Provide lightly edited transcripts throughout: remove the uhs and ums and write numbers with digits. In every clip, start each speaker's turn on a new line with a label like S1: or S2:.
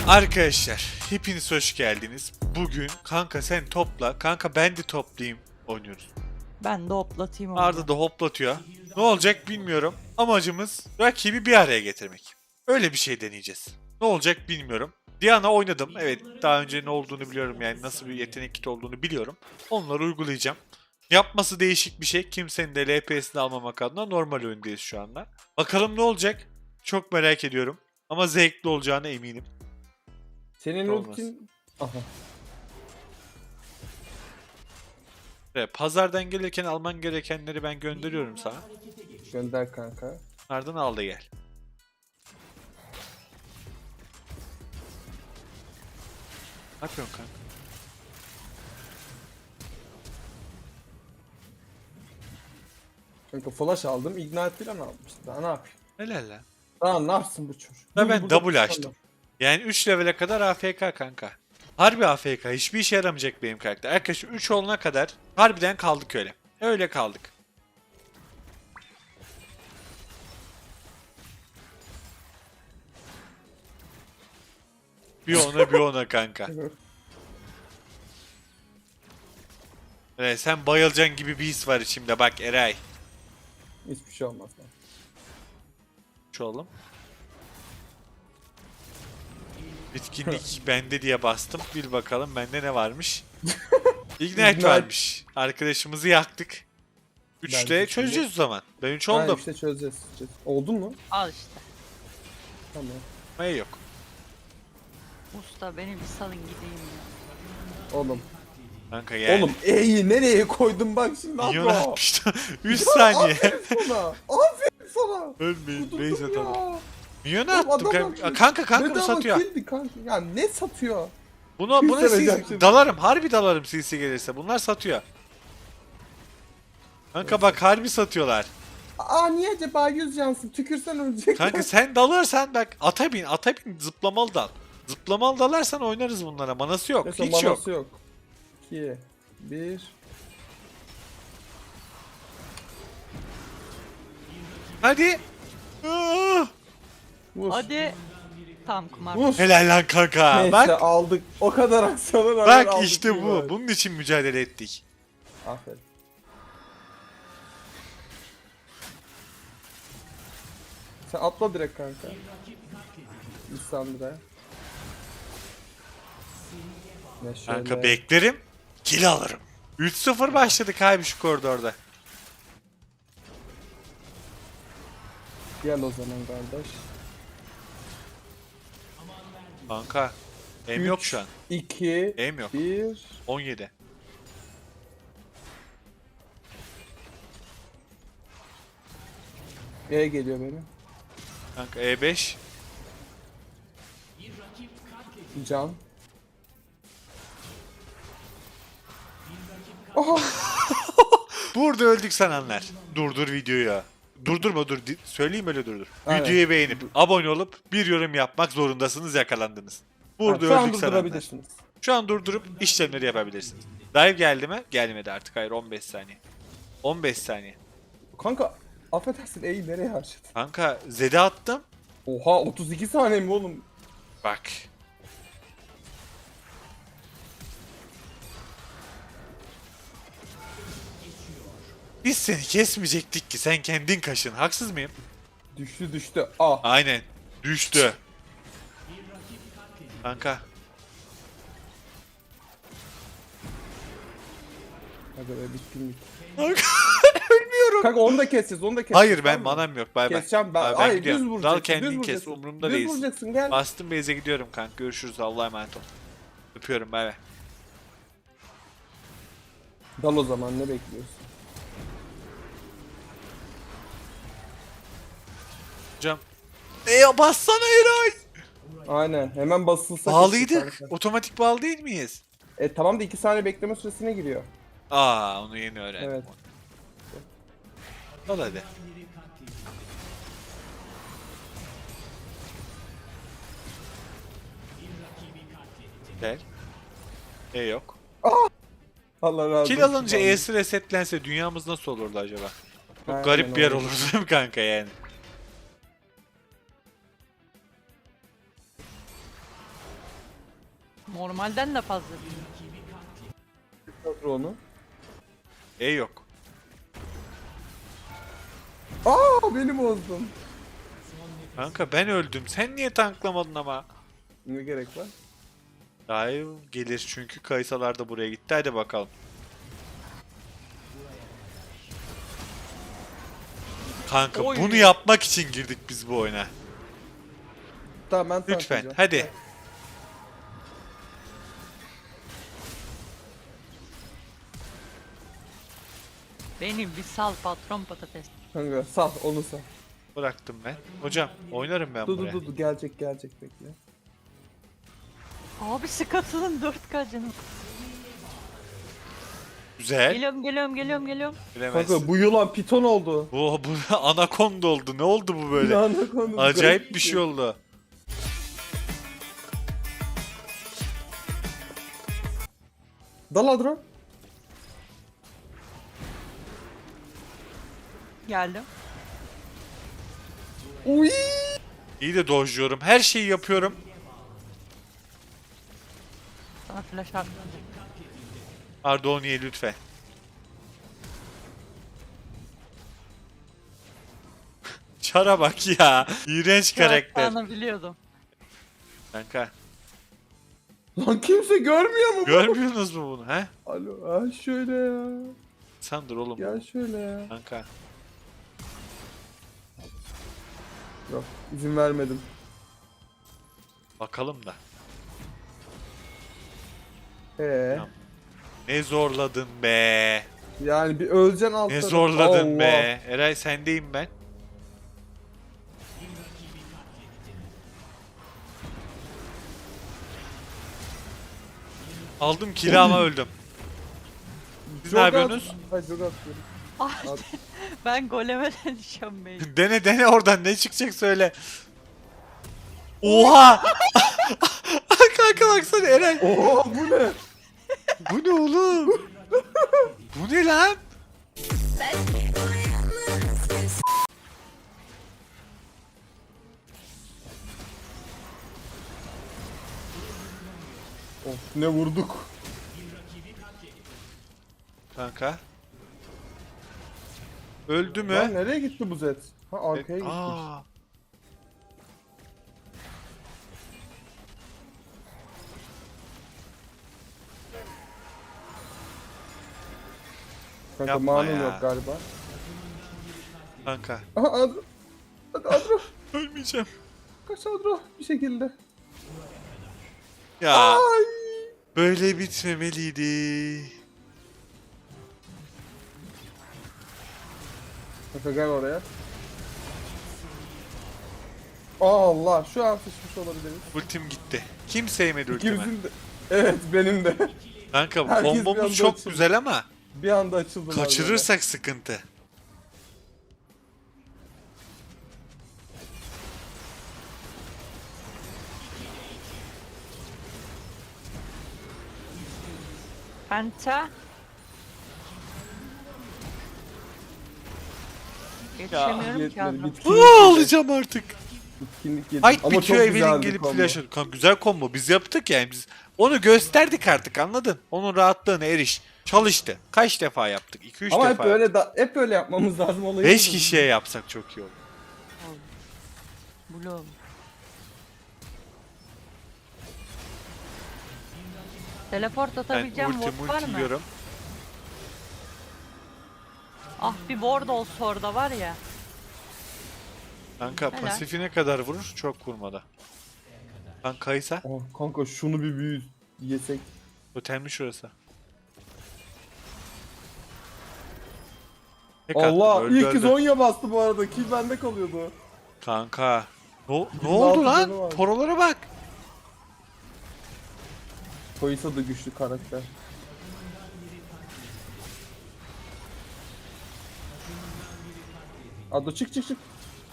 S1: Arkadaşlar hepiniz hoş geldiniz. Bugün kanka sen topla, kanka ben de toplayayım oynuyoruz.
S2: Ben de hoplatayım onu.
S1: Arda da hoplatıyor. Ne olacak bilmiyorum. Amacımız rakibi bir araya getirmek. Öyle bir şey deneyeceğiz. Ne olacak bilmiyorum. Diana oynadım. Evet, daha önce ne olduğunu biliyorum, yani nasıl bir yetenek kiti olduğunu biliyorum. Onları uygulayacağım. Yapması değişik bir şey. Kimsenin de LPS'ini almamak adına normal oyundayız şu anda. Bakalım ne olacak? Çok merak ediyorum. Ama zevkli olacağına eminim.
S3: Senin
S1: Olmaz.
S3: ultin... Aha.
S1: Evet, pazardan gelirken alman gerekenleri ben gönderiyorum sana.
S3: Gönder kanka.
S1: Ardından al da gel. Ne yapıyorsun kanka?
S3: Kanka flash aldım. Ignite falan almıştım. Daha ne yapayım?
S1: Helal lan.
S3: Daha ne yapsın bu çocuk?
S1: Da ben
S3: Burada
S1: double
S3: bir
S1: açtım. Yani 3 levele kadar AFK kanka. Harbi AFK. Hiçbir işe yaramayacak benim karakter. Arkadaşlar 3 olana kadar harbiden kaldık öyle. Öyle kaldık. Bir ona kanka.
S3: tane.
S1: Evet, sen bayılacaksın gibi bir his var içimde. Bak Eray.
S3: Hiçbir şey olmaz lan.
S1: Şu oğlum. Bitkinlik bende diye bastım. Bir bakalım bende ne varmış. Ignite
S3: Ignite.
S1: varmış. Arkadaşımızı yaktık. 3'te
S3: Bence
S1: çözeceğiz o zaman. Ben 3
S3: Ha,
S1: oldum.
S3: işte çözeceğiz. Oldun mu?
S2: Al işte.
S3: Tamam.
S1: Ne yok.
S2: Usta beni bir salın gideyim ya.
S3: Oğlum.
S1: Kanka yani.
S3: Oğlum E'yi nereye koydum bak şimdi
S1: Milyon
S3: abla.
S1: atmıştı. 3 saniye.
S3: Aferin sana. Aferin sana.
S1: Ölmeyin.
S3: Kudurdum
S1: Base atalım.
S3: ya.
S1: Milyon
S3: Oğlum
S1: attım
S3: adam
S1: kanka. Kanka bu
S3: Bedava
S1: satıyor.
S3: killdi kanka. Ya ne satıyor?
S1: Buna
S3: Yüz
S1: CC
S3: verecek şimdi.
S1: dalarım. Harbi dalarım CC gelirse. Bunlar satıyor. Kanka bak harbi satıyorlar.
S3: Aa niye acaba 100 cansın? Tükürsen ölecek.
S1: Kanka sen dalarsan bak ata bin zıplamalı dal. Zıplamalı dalarsan oynarız bunlara. Manası yok.
S3: Neyse,
S1: Hiç yok.
S3: manası yok. 2 1
S1: Hadi. Ah!
S3: Vur.
S2: Hadi. Tam kumar.
S3: Vur.
S1: Helal lan kanka.
S3: Neyse
S1: Bak.
S3: aldık. O kadar aksiyona rağmen
S1: Bak
S3: aldık
S1: işte
S3: bir
S1: bu.
S3: var.
S1: Bunun için mücadele ettik.
S3: Aferin. Sen atla direkt kanka. Lisandra. Ne şöyle.
S1: Kanka beklerim. Kill alırım. 3-0 başladık abi şu koridorda.
S3: Gel o zaman kardeş.
S1: Kanka. Em yok şu an.
S3: 2
S1: Em yok.
S3: 1
S1: 17.
S3: E geliyor benim.
S1: Kanka E5.
S3: Can. Oha!
S1: Burada öldük sananlar. Durdur videoyu. Durdurma dur. Söyleyeyim öyle durdur.
S3: Aynen.
S1: Videoyu beğenip abone olup bir yorum yapmak zorundasınız, yakalandınız. Burada
S3: Şu an
S1: öldük sananlar.
S3: durdurabilirsiniz.
S1: Şu an durdurup işlemleri yapabilirsiniz. Dive geldi mi? Gelmedi artık. Hayır, 15 saniye. 15 saniye.
S3: Kanka affedersin E'yi nereye harcadın?
S1: Kanka Zed'e attım.
S3: Oha 32 saniye mi oğlum?
S1: Bak. Biz seni kesmeyecektik ki, sen kendin kaşın. Haksız mıyım?
S3: Düştü düştü. Ah.
S1: Aynen. Düştü. Kanka.
S3: Hadi be bitkinlik.
S1: Kanka. Ölmüyorum.
S3: Kanka onu da keseceğiz onu da keseceğiz.
S1: Hayır, ben
S3: tamam mı?
S1: manam yok. Bay bay.
S3: Keseceğim ben.
S1: Abi
S3: Hayır düz
S1: gidiyorum.
S3: vuracaksın.
S1: Dal kendin
S3: düz
S1: kes.
S3: vuracaksın.
S1: Umurumda
S3: düz
S1: değilsin.
S3: vuracaksın gel.
S1: Bastım base'e gidiyorum kanka. Görüşürüz. Allah'a emanet ol. Öpüyorum. Bay bay.
S3: Dal o zaman ne bekliyorsun?
S1: Hocam. Bassana Eray.
S3: Aynen hemen basılsa
S1: Bağlıydık.
S3: kesin kanka.
S1: Otomatik bağlı değil miyiz?
S3: Tamam da 2 saniye bekleme süresine giriyor.
S1: Aa, onu yeni öğrendim.
S3: Evet.
S1: Al hadi. Gel. Yok.
S3: Allah razı olsun.
S1: Kill alınca E'si resetlense dünyamız nasıl olurdu acaba? Çok
S3: Aynen
S1: garip bir yer
S3: olurdu.
S1: olurdu değil mi kanka yani?
S2: Normalden de fazla değil.
S3: Kadro onu.
S1: E yok.
S3: Aa beni bozdun.
S1: Kanka ben öldüm. Sen niye tanklamadın ama?
S3: Ne gerek var?
S1: Dive gelir çünkü Kaysalar da buraya gitti. Hadi bakalım. Kanka
S2: Oy.
S1: bunu yapmak için girdik biz bu oyuna.
S3: Tamam ben
S1: Lütfen
S3: tanklayacağım.
S1: hadi.
S2: Benim bir sal patron patates.
S3: Kanka sal onu sal.
S1: Bıraktım ben. Hocam oynarım ben
S3: Dur
S1: buraya.
S3: dur dur gelecek bekle.
S2: Abi Scuttle'ın 4K canım.
S1: Güzel.
S2: Geliyorum.
S1: Bilemezsin.
S3: Kanka bu yılan piton oldu.
S1: Bu anakonda oldu. Ne oldu bu böyle?
S3: Yılanla konu.
S1: Acayip bir şey oldu.
S3: Dal Adro.
S2: Geldim.
S3: Uy.
S1: İyi de dojluyorum. Her şeyi yapıyorum.
S2: Sana flash attım.
S1: Ardoniye lütfen. Çara bak ya. İğrenç karakter.
S2: Yapacağını biliyordum.
S1: Kanka.
S3: Lan kimse görmüyor mu?
S1: Görmüyorsunuz mu bunu he?
S3: Alo ha şöyle ya.
S1: Sandır oğlum.
S3: Gel şöyle ya.
S1: Kanka.
S3: Yok izin vermedim.
S1: Bakalım da.
S3: Tamam.
S1: Ne zorladın be.
S3: Yani bir öleceksin alt
S1: Ne
S3: tarafı.
S1: zorladın
S3: Allah.
S1: be. Eray sendeyim ben. Aldım kili ama öldüm. Siz ne
S3: Jog
S1: yapıyorsunuz?
S3: Ay jog atıyorum.
S2: Ah, ben goleme dönüşüyorum beyim.
S1: Dene oradan ne çıkacak söyle. Oha! Kanka baksana Eray.
S3: Oo bu ne?
S1: Bu ne oğlum? Bu ne lan?
S3: Of ne vurduk.
S1: Kanka. Öldü mü?
S3: Lan nereye gitti bu Zed? Ha arkaya gitmiş.
S1: Aa,
S3: Kanka
S1: yapma
S3: manum
S1: ya.
S3: yok galiba.
S1: kanka.
S3: Aha Adro. Hadi Adro.
S1: Ölmeyeceğim.
S3: Kaç Adro bir şekilde.
S1: Ya
S3: Ay.
S1: böyle bitmemeliydi.
S3: Kanka gel oraya. Allah şu an sıçmış olabiliriz.
S1: Ultim gitti. Kim sevmedi ultimi?
S3: İkimizin de. Evet benim de.
S1: Kanka
S3: Herkes bir anda
S1: kombomuz çok
S3: açıldı.
S1: güzel ama
S3: Bir anda açıldı.
S1: kaçırırsak sıkıntı.
S2: Penta. Yetişemiyorum ki
S3: Yetmedi,
S2: Adro.
S3: bitkinlik
S1: Aa,
S3: yedi.
S1: alacağım artık.
S3: Bitkinlik yedi.
S1: Fight
S3: Ama çok
S1: bitiyor Evelyn
S3: güzeldi
S1: gelip
S3: combo.
S1: flash atıyor. Kanka güzel combo. Biz yaptık yani biz. Onu gösterdik artık anladın? Onun rahatlığına eriş. Çalıştı. Kaç defa yaptık? 2-3
S3: Ama hep
S1: defa
S3: öyle
S1: yaptık.
S3: hep öyle yapmamız lazım olayı.
S1: 5 kişiye yapsak çok iyi olur.
S2: Bloom. Teleport
S1: Ben
S2: atabileceğim ward var mı?
S1: ultiliyorum.
S2: Ah bir ward olsa orada var ya.
S1: Kanka
S2: Helal.
S1: pasifine kadar vurur. Çok vurmadı. Kanka Kaysa.
S3: Oh, kanka şunu bir büyü yesek.
S1: Totemli şurası. Tek attım,
S3: Allah
S1: öldü,
S3: ilk kez
S1: öldü.
S3: Zonya bastı bu arada. Kill bende kalıyordu.
S1: Kanka. Ne
S3: 26
S1: oldu
S3: canı var.
S1: lan? Porolara bak.
S3: Koysa da güçlü karakter. Ado çık çık çık.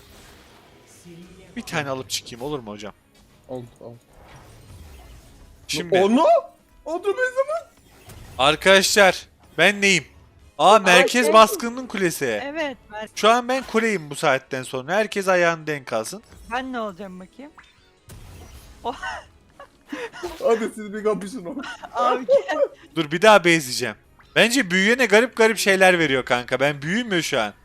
S1: Bir tane alıp çıkayım olur mu hocam?
S3: Oldu oldu.
S1: Şimdi
S3: Onu? Ado ne zaman?
S1: arkadaşlar ben neyim? Aa merkez
S3: şey-
S1: baskınının kulesi.
S2: Evet
S1: Şu an ben kuleyim bu saatten sonra. Herkes ayağını denk alsın.
S2: ben ne olacağım bakayım.
S3: Hadi siz bir kapışın o.
S2: Abi gel.
S1: Dur bir daha bezleyeceğim. Bence büyüyene garip garip şeyler veriyor kanka. Ben büyümüyor şu an.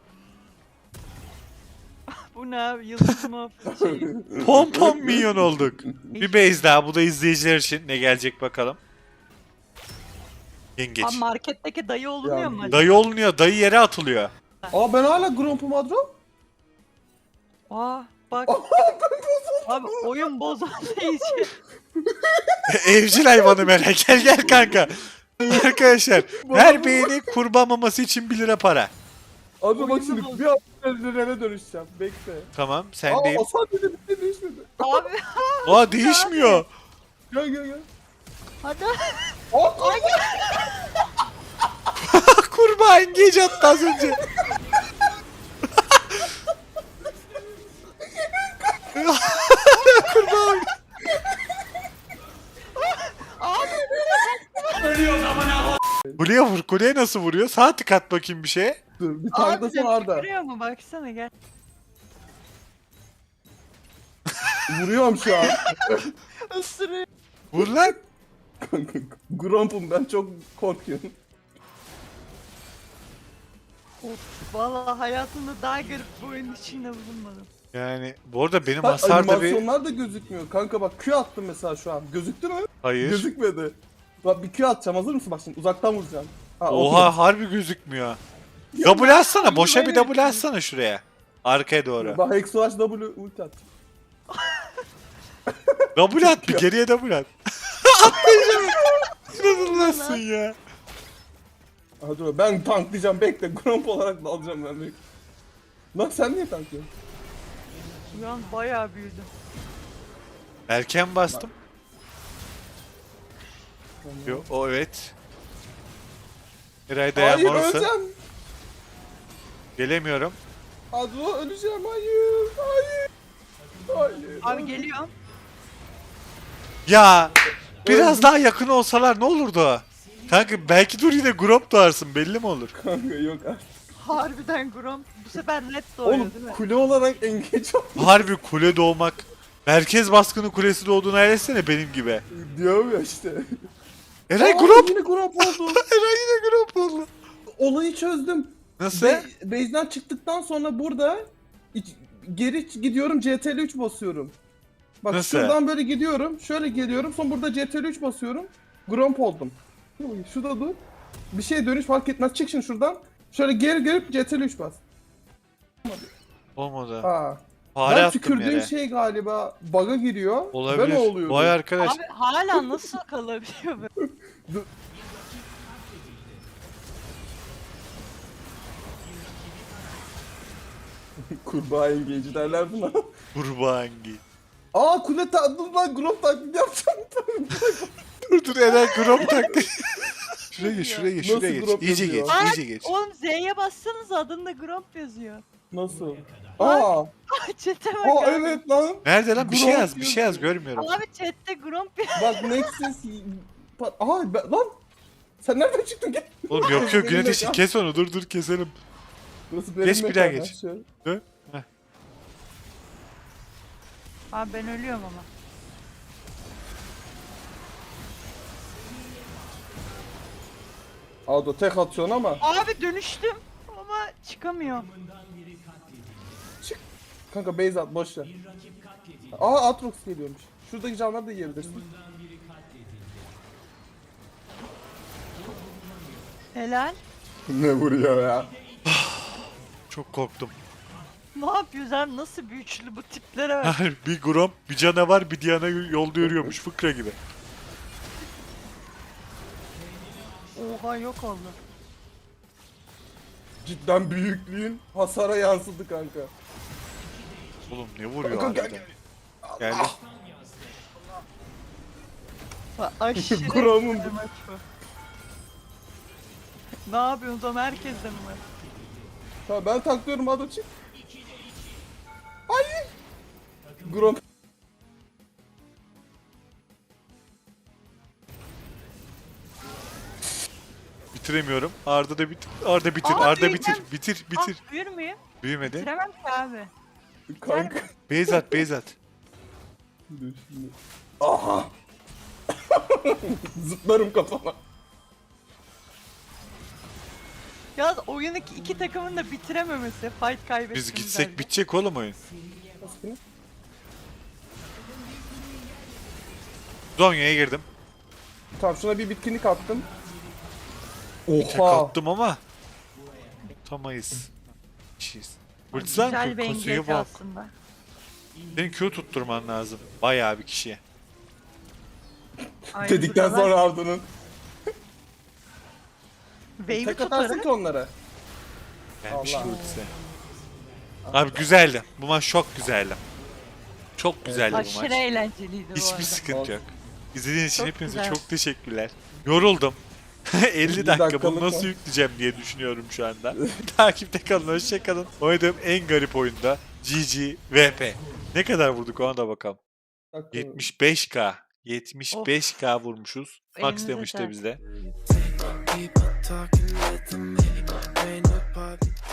S2: Bu ne abi? Yıldız mı? Şey.
S1: Pom pom minyon olduk. Bir base daha. Bu da izleyiciler için. Ne gelecek bakalım. Yengeç.
S2: Abi marketteki dayı olmuyor
S3: Ya,
S2: mu? acaba?
S1: Dayı olunuyor. Dayı yere atılıyor.
S3: Aa ben hala Grompo Madro.
S2: Aa bak. Abi oyun bozulduğu için.
S1: Evcil hayvanı merak. Gel gel kanka. Arkadaşlar her beğeni kurban maması için 1 lira para.
S3: Abi bak
S2: Oyunu
S3: şimdi
S2: bozdu.
S3: bir an Ren'e dönüşeceğim. Bekle.
S1: Tamam
S3: Aa
S1: sendeyim.
S3: Hasan dedi bir şey değişmedi.
S2: Abi
S1: Aa değişmiyor.
S3: Gel gel gel.
S2: hadi.
S3: Aa
S1: Kurbağa engage attı az önce. Kurbağa. Kuleye vur. Kuleye nasıl vuruyor? Sağ tık at bakayım bir şeye.
S3: dur bir
S2: Abi
S3: tanklasana Arda.
S2: görüyor mu? Baksana gel.
S3: Vuruyorum şu an.
S2: Isırıyor.
S1: Vur lan.
S3: Gromp'um ben çok korkuyorum.
S2: Of valla hayatımda daha garip bir oyun içinde bulunmadım.
S1: Yani bu arada benim
S3: Bak
S1: hasarda bir...
S3: animasyonlar da gözükmüyor. Kanka bak Q attım mesela şu an. Gözüktü mü?
S1: Hayır.
S3: Gözükmedi. Bak bir Q atacağım, hazır mısın? Bak şimdi uzaktan vuracağım. Ha,
S1: Oha harbi gözükmüyor. Double atsana. Boşa bir double atsana şuraya. Arkaya doğru.
S3: Bak Hexuash W ulti at.
S1: Double at bir geriye double at. Atlayacağım. İnanılmazsın ya.
S3: Hadi dur ben tanklayacağım, bekle. Gromp olarak da alacağım ben, bekle. Lan sen niye tanklıyorsun?
S2: Şu an bayağı büyüdüm.
S1: Erken bastım. Yo, o evet. Eray
S3: Hayır
S1: dayanmalısın.
S3: öleceğim.
S1: Gelemiyorum.
S3: Adro öleceğim, hayır. Hayır. Hayır.
S2: Abi geliyorum.
S1: Ya biraz
S3: Öldüm.
S1: daha yakın olsalar ne olurdu? Kanka belki dur yine Gromp doğarsın belli mi olur?
S3: Kanka yok artık.
S2: Harbiden Grom bu sefer net doğuyor
S3: Oğlum
S2: değil mi?
S3: kule olarak engage ol.
S1: Harbi kule doğmak. Merkez baskını kulesi doğduğunu hayal etsene benim gibi.
S3: Diyorum ya işte.
S1: Eray
S3: Aa,
S1: Gromp!
S3: Yine Gromp oldu.
S1: Eray yine Gromp oldu.
S3: Olayı çözdüm.
S1: Nasıl?
S3: Base'den çıktıktan sonra burada geri gidiyorum, CTRL 3 basıyorum. Bak
S1: Nasıl?
S3: şuradan böyle gidiyorum, şöyle geliyorum, sonra burada CTRL 3 basıyorum. Gromp oldum. Şurada dur. Bir şeye dönüş fark etmez. Çık şimdi şuradan. Şöyle geri gelip CTRL 3 bas.
S1: Olmadı.
S3: Ha.
S1: Fare
S3: Ben
S1: attım
S3: tükürdüğüm
S1: yere.
S3: şey galiba bug'a giriyor.
S1: Olabilir.
S3: Ben o oluyordu.
S1: Vay arkadaş.
S2: Abi hala nasıl kalabiliyor böyle?
S3: Kurbağa engage derler buna.
S1: Kurbağa hangi?
S3: Aa kule dur lan, Gromp taklidi yapacağım.
S1: Dur dur Eray Gromp taktı. Şuraya geç şuraya geç
S3: Nasıl
S1: şuraya geç.
S3: Gromp
S1: İyice
S3: yazıyor?
S1: geç
S2: Aa,
S1: iyice geç.
S2: Oğlum Z'ye bassanız adında Gromp yazıyor.
S3: Nasıl? Aa,
S2: Chat'e bak
S3: aa
S2: abi.
S3: evet lan.
S1: Nerede lan bir şey
S3: Gromp
S1: yaz bir şey yaz görmüyorum.
S2: Abi chatte Gromp
S3: Bak Nexus... Aha lan! Sen nereden çıktın? Git.
S1: Oğlum yok yok
S3: Benim
S1: yönetici
S3: mekan.
S1: kes onu dur keselim.
S3: Burası benim
S1: Geç, bir daha
S3: mekanım,
S1: geç.
S3: şöyle.
S1: Dön. Heh.
S2: Abi ben ölüyorum ama.
S3: Ado tek atıyorsun ama.
S2: Abi dönüştüm ama çıkamıyorum.
S3: Kanka base at, boş ver. Aa Atrox geliyormuş. Şuradaki canları da yiyebilirsin.
S2: Helal.
S3: Ne vuruyor ya?
S1: Çok korktum.
S2: Ne yapıyoruz abi? Nasıl bir üçlü bu tiplere bak.
S1: Bir Gromp bir canavar bir Diana yolda yürüyormuş fıkra gibi.
S2: Oha yok oldu.
S3: Cidden büyüklüğün hasara yansıdı kanka.
S1: Oğlum ne vuruyor
S3: Kanka,
S1: harbiden. Geldi.
S2: Bak, aşırı
S3: Grom'un
S2: bir maç bu. Ne yapıyorsunuz ama herkes de mi var?
S3: Ha ben taklıyorum, Ado çık. Hayır. Grom.
S1: Bitiremiyorum. Arda da bitir. Arda bitir.
S2: Aa,
S1: Arda
S2: büyüyeceğim.
S1: bitir. Bitir.
S2: Ah büyür müyüm?
S1: Büyümedi.
S2: Bitiremem ki abi.
S3: Kanka.
S1: Beyzat Beyzat.
S3: Dur şimdi. Aha. Zıplarım kafana.
S2: Ya oyunu iki takımın da bitirememesi, fight kaybetmesi.
S1: Biz gitsek bitecek oğlum oyun.
S3: Nasıl?
S1: Zonya'ya girdim.
S3: Tamam şuna bir bitkinlik attım.
S1: Tek
S3: Oha.
S1: attım ama. Tutamayız. Kişiyiz. Hırtlan
S2: Güzel bir
S1: kusuya
S2: engage
S1: bak.
S2: aslında.
S1: Senin Q tutturman lazım. Bayağı bir kişiye.
S2: Aynı
S3: Dedikten
S2: buralar.
S3: sonra Arda'nın.
S2: Wave'i
S3: Tek atarsın
S2: tutarım.
S3: ki onlara.
S1: Gelmiş
S3: Allah.
S1: ultisi. Abi güzeldi. Bu maç çok güzeldi. Çok güzeldi bu
S2: Aşırı
S1: maç.
S2: eğlenceliydi bu
S1: Hiçbir
S2: arada.
S1: sıkıntı yok. İzlediğiniz için
S2: Çok
S1: hepinize
S2: güzel.
S1: çok teşekkürler. Yoruldum. 50 dakika
S3: dakikalık
S1: bunu nasıl
S3: mı?
S1: yükleyeceğim diye düşünüyorum şu anda. Takipte kalın, hoşça kalın. Oynadığım en garip oyunda GG VP. Ne kadar vurduk ona da bakalım. 75k. 75k vurmuşuz. Max
S2: Elinize
S1: demişti
S2: sağlık.
S1: bizde.
S4: People talking with me, ain't nobody